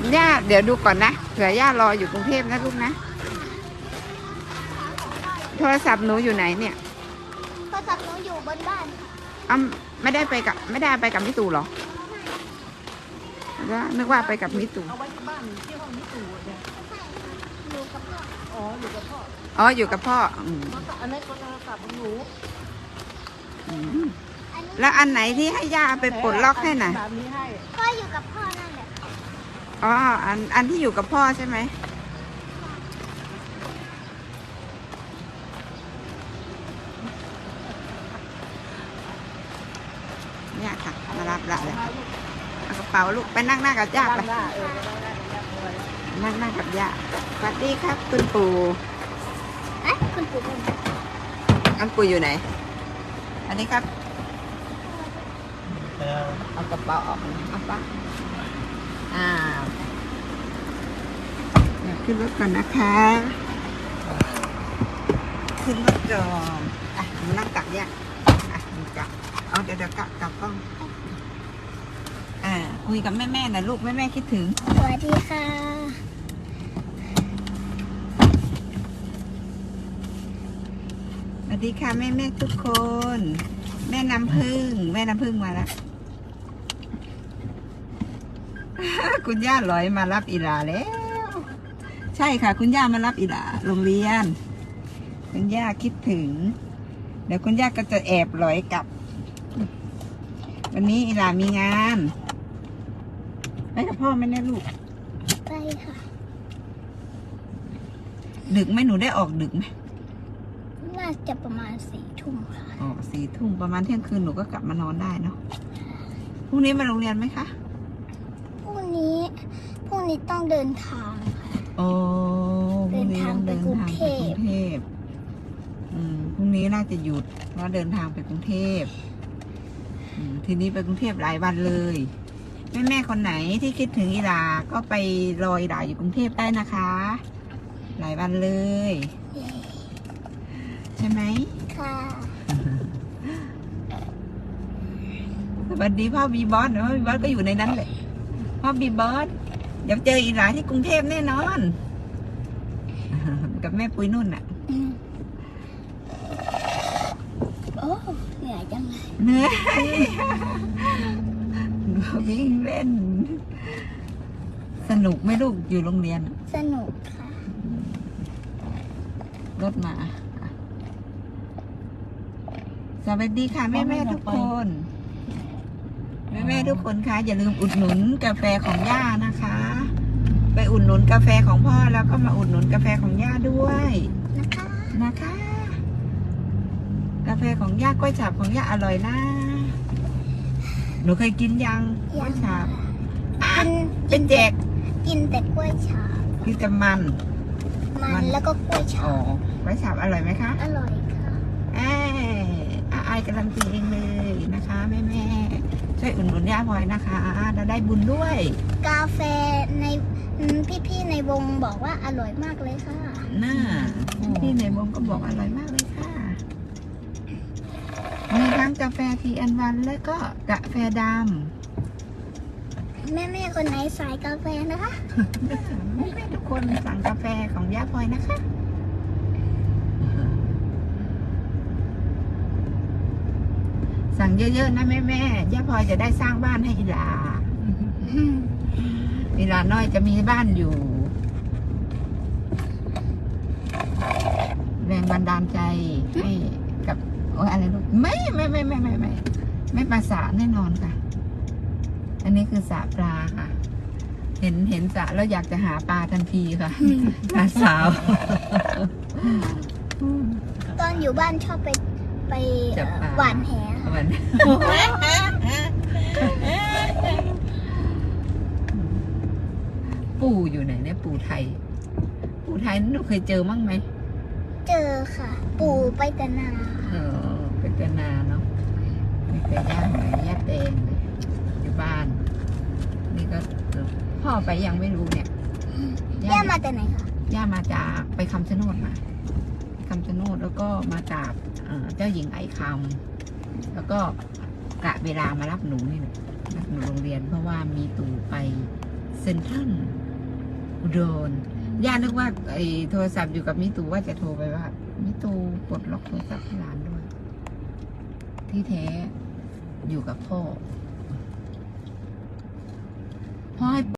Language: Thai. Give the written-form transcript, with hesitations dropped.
ย่าเดี๋ยวดูก่อนนะเผื่อย่ารออยู่กรุงเทพนะลูกนะโทรศัพท์หนูอยู่ไหนเนี่ยโทรศัพท์หนูอยู่บนบ้านอ้าไม่ได้ไปกับมิตูหรอแล้วนึกว่าไปกับมิตูเอาไว้ที่บ้านที่ห้องนี้ตู่เนี่ยอยู่กับพ่ออ๋ออยู่กับพ่ออ๋ออยู่กับพ่ออันนี้ก็โทรศัพท์ของหนูแล้วอันไหนที่ให้ย่าไปปลดล็อกให้น่ะแบบนี้ให้ก็อยู่กับพ่อนั่นแหละอ๋ออันที่อยู่กับพ่อใช่ไหมเนี่ยค่ะมารับละเลยเอากระเป๋าลูกไปนั่งหน้ากับย่าไปได้นั่งหน้ากับย่าสวัสดีครับคุณปู่เอ๊ะคุณปู่เป็นอันปู่อยู่ไหนอันนี้ครับเอากระเป๋าออกเอาปะเดี๋ยวขึ้นรถก่อนนะคะขึ้นรถก่อนมานั่งกับย่าดูกับเอาเดี๋ยวกลับกล้องคุยกับแม่นะลูกแม่คิดถึงสวัสดีค่ะสวัสดีค่ะแม่ทุกคนแม่น้ำพึ่งมาแล้ว คุณย่าลอยมารับอีหลาแล้วใช่ค่ะคุณย่ามารับอีหลาโรงเรียนคุณย่าคิดถึงเดี๋ยวคุณย่าก็จะแอบลอยกลับวันนี้อีหลามีงานไปกับพ่อไหมเนี่ยลูกไปค่ะดึกไหมหนูได้ออกดึกไหมน่าจะประมาณ4 ทุ่มค่ะอ๋อ4 ทุ่มประมาณเที่ยงคืนหนูก็กลับมานอนได้เนาะพรุ่งนี้มาโรงเรียนไหมคะพรุ่งนี้ต้องเดินทางค่ะโอ้พรุ่งนี้ต้องเดินทางไปกรุงเทพพรุ่งนี้น่าจะหยุดเพราะเดินทางไปกรุงเทพทีนี้ไปกรุงเทพหลายวันเลยแม่คนไหนที่คิดถึงอีหลาก็ไปรออีหลาอยู่กรุงเทพได้นะคะ หลายวันเลยใช่ไหมค่ะสวัสดีพ่อบีบอสพ่อบีบอสก็อยู่ในนั้นเลยพ่อบีบอสเดี๋ยวเจออีหลาที่กรุงเทพแน่นอนกับแม่ปุ้ยนุ่นอ่ะโอ้เหนื่อยจังเลยเหนื่อยวิ่งเล่นสนุกไหมลูกอยู่โรงเรียนสนุกค่ะรถมาสวัสดีค่ะแม่ทุกคนแม่ทุกคนคะอย่าลืมอุดหนุนกาแฟของย่านะคะไปอุดหนุนกาแฟของพ่อแล้วก็มาอุดหนุนกาแฟของย่าด้วยนะคะกาแฟของย่ากล้วยฉาบของย่าอร่อยนะหนูเคยกินยังกล้วยฉาบเป็นแจกกินแต่กล้วยฉาบกินแต่มันแล้วก็กล้วยฉาบกล้วยฉาบอร่อยไหมคะอร่อยค่ะอายการันตีเองเลยนะคะแม่ช่วยอุดหนุนย่าพลอยนะคะเราได้บุญด้วยกาแฟในพี่ในวงบอกว่าอร่อยมากเลยค่ะน่าพี่ในวงก็บอกอร่อยมากเลยค่ะมีทั้งกาแฟTN1และก็กาแฟดำแม่คนไหนสายกาแฟนะคะแม่ทุกคนสั่งกาแฟของย่าพลอยนะคะสั่งเยอะๆนะแม่ย่าพลอยจะได้สร้างบ้านให้อีหลาอีหลาน้อยจะมีบ้านอยู่แรงบันดาลใจให้กับอะไรลูกไม่ปลาสาแน่นอนค่ะอันนี้คือสาปลาค่ะเห็นสาแล้วอยากจะหาปลาทันทีค่ะปลาสาวตอนอยู่บ้านชอบไปหวานแหปู่อยู่ไหนเนี่ยปู่ไทยหนูเคยเจอมั้งไหมเจอค่ะปู่ไปแต่นาไปแต่นาเนาะมีแต่ย่าหอยย่าแดงอยู่บ้านนี่ก็พ่อไปยังไม่รู้เนี่ยย่ามาแต่ไหนคะย่ามาจากไปคำชะโนดมาแล้วก็มาจากเจ้าหญิงไอคำแล้วก็กะเวลามารับหนูนี่รับหนูโรงเรียนเพราะว่ามีตู่ไปเซ็นทรัลอุดรย่านึกว่าไอ้โทรศัพท์อยู่กับมิตูว่าจะโทรไปว่ามิตูปลดล็อกโทรศัพท์ที่ร้านด้วย ที่แท้อยู่กับพ่อให้